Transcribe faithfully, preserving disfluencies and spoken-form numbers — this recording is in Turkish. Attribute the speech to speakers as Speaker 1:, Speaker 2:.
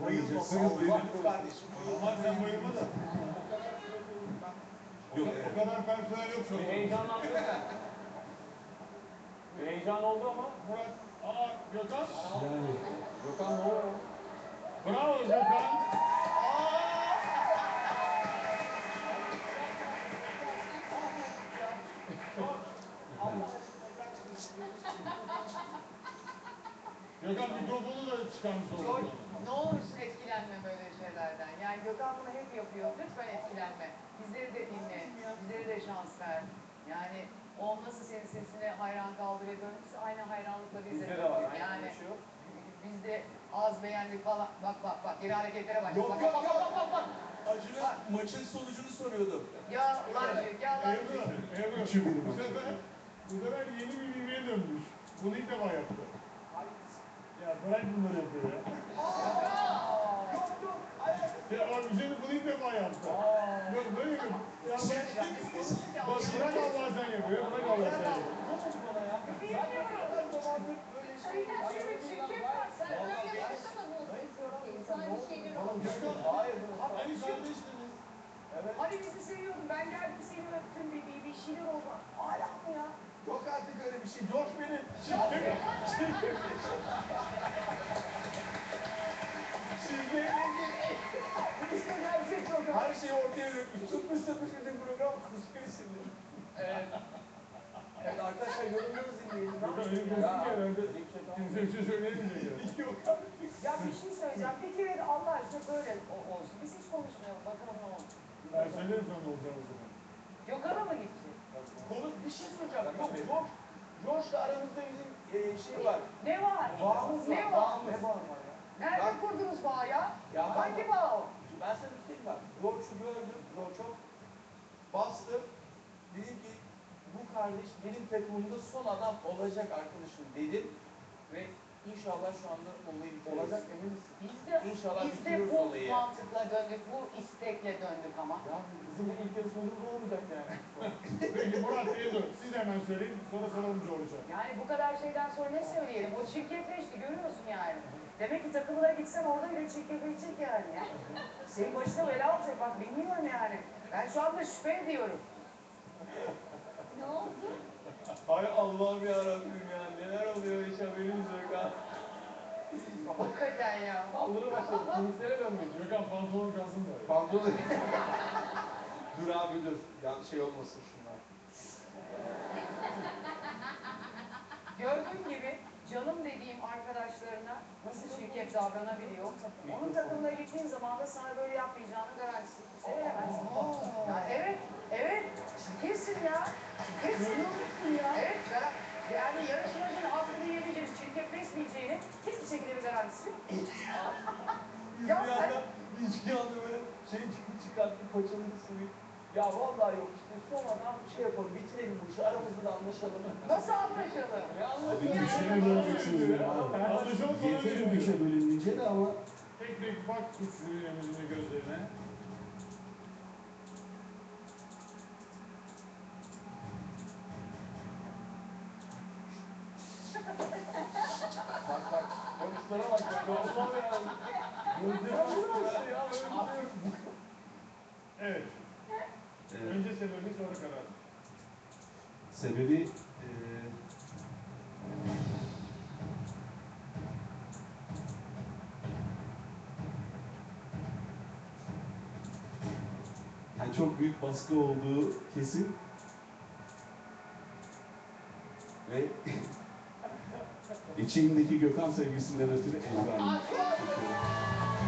Speaker 1: Bayılma.
Speaker 2: Bayılma kardeşim.
Speaker 1: Ama sen bayılma da.
Speaker 2: Yok.
Speaker 1: O kadar personel yok şu an.
Speaker 3: Bir heyecanlandın sen. Bir heyecan oldu ama.
Speaker 1: Murat, aa Gökhan.
Speaker 4: Yani
Speaker 3: Gökhan ne oluyor?
Speaker 1: Bravo Gökhan. Gökhan mikrofonu da çıkarmış oldu.
Speaker 5: George, ne olursun etkilenme böyle şeylerden. Yani Gökhan bunu hep yapıyor. Lütfen etkilenme. Bizleri de dinle. Bizlere de şans ver. Yani o nasıl senin sesine hayran kaldı ve böyle biz aynı hayranlıkla biz de
Speaker 3: Bizde de var.
Speaker 5: yapıyoruz.
Speaker 3: Yani
Speaker 5: Yani
Speaker 3: bir şey yok.
Speaker 5: biz de az beğendik falan. Bak bak bak. Geri hareketlere bak.
Speaker 2: Yok
Speaker 5: Bak
Speaker 2: yok
Speaker 5: bak
Speaker 2: yok.
Speaker 5: bak bak bak.
Speaker 2: Acun'a maçın sonucunu soruyordum.
Speaker 5: Ya lancı, ya lancı.
Speaker 1: Ebru, Ebru.
Speaker 4: Üçü bir.
Speaker 1: Bu sefer, bu sefer yeni bir mimeye dönmüş. Bunu ilk defa yaptı. Ya bırak bunları yapıyor ya.
Speaker 2: Yok yok.
Speaker 1: Ya abi bir şey de bunu ilk defa yaptı. Yok böyle yapıyor. Ya bak, bırak Allah sen yapıyor. Bırak Allah sen yapıyor.
Speaker 2: Nasıl bana ya? Zaten kadar zamandır böyle şey. Hayır.
Speaker 1: Hani kardeştiniz.
Speaker 2: Evet.
Speaker 5: Hani bizi seviyordun. Ben geldim seni öptüm. Bir, bir, bir şeyler oldu. Hala mı ya?
Speaker 2: Yok artık öyle bir şey. George benim. Sizle ilgili
Speaker 5: İşte gerçek yok.
Speaker 2: her şeyi ortaya dökmüş. Tutmuş tutmuş bütün program kuskuyu sinir. Evet. Evet arkadaşlar yorumlarınızı dinleyelim.
Speaker 1: Yok öyle diyorsun ki herhalde. Kimse bir şey söyleyemeyecek ya.
Speaker 2: Yok
Speaker 5: Ya bir şey söyleyeceğim. Bir kere de Allah aşkına böyle o- olsun. Biz hiç konuşmayalım. Bakalım ne olur.
Speaker 1: Ben söylerim sana ne olacağını o zaman.
Speaker 5: Gökhan'a mı gitti?
Speaker 2: Konu bir şey soracağım. Yok George. George'la aramızda bizim e, şey var.
Speaker 5: Ne var?
Speaker 2: Bağımız var.
Speaker 5: Ne var?
Speaker 2: Bağımız. Ne bağım var ya?
Speaker 5: Nerede
Speaker 2: Ben-
Speaker 5: kurdunuz bağı ya?
Speaker 2: Ya ben-
Speaker 5: Hangi bağ o?
Speaker 2: Ben sana bir şey diyeyim bak. George'u gördüm. George çok bastım. Dedim ki bu kardeş benim takımımda son adam olacak arkadaşım dedim. Ve inşallah şu anda olayı bitiriyoruz. Olacak emin misin?
Speaker 5: Biz de,
Speaker 2: İnşallah
Speaker 5: biz de
Speaker 2: bitiriyoruz
Speaker 5: bu
Speaker 2: olayı.
Speaker 5: mantıkla döndük, bu istekle döndük ama.
Speaker 2: Ya bizim ilk yarışmacımız olmayacak yani.
Speaker 1: Peki Murat Ebru, siz hemen söyleyin. Sonra soralım George'a.
Speaker 5: Yani bu kadar şeyden sonra ne söyleyelim? O çirkefleşti, görüyorsun yani. Demek ki takımına gitsen orada bile çirkefleşecek yani. Senin başına bela olacak, bak bilmiyorum yani. Ben şu anda şüphe ediyorum.
Speaker 6: Ne oldu?
Speaker 3: Hay Allah'ım yarabbim ya. Neler oluyor hiç haberimiz yok ha.
Speaker 5: Hakikaten ya.
Speaker 3: Saldırı başladı. Kilislere dönmüş.
Speaker 1: Gökhan pantolon kalsın da.
Speaker 2: Pantolon. Dur abi dur. Yanlış şey olmasın şunlar.
Speaker 5: Gördüğün gibi canım dediğim arkadaşlarına nasıl şirket davranabiliyor. Onun takımına gittiğin zaman da sana böyle yapmayacağını garantisi veremezsin. Ya evet, evet. Kesin ya. Kesin. ya. Evet, gar- yani yarışmacının hakkını yemeyeceğini, çirkefleşmeyeceğini hiçbir şekilde bir garantisi yok.
Speaker 2: Biz
Speaker 5: Ya
Speaker 2: bir
Speaker 5: sen-
Speaker 2: anda, biz bir anda böyle şey çıktı çıkarttı paçalı suyu. Ya vallahi yok işte sonradan şey yapalım bitirelim bu işi aramızda da anlaşalım.
Speaker 5: Nasıl anlaşalım?
Speaker 2: Ne
Speaker 4: Abi
Speaker 2: anlaşalım?
Speaker 4: köşeye bölünmüşsünüz ya.
Speaker 1: Anlaşalım sonra
Speaker 4: Yeterim köşe bölününce de ama
Speaker 1: Tek tek bak üçlü emrinin gözlerine.
Speaker 2: Bak bak konuşlara bak ya. Doğru ya. Gözleri açtı ya. Böyle bir şey yok.
Speaker 1: Evet.
Speaker 4: e,
Speaker 1: Önce sebebi sonra karar.
Speaker 4: sebebi e, yani çok büyük baskı olduğu kesin ve içimdeki Gökhan sevgisinden ötürü Ebru Hanım.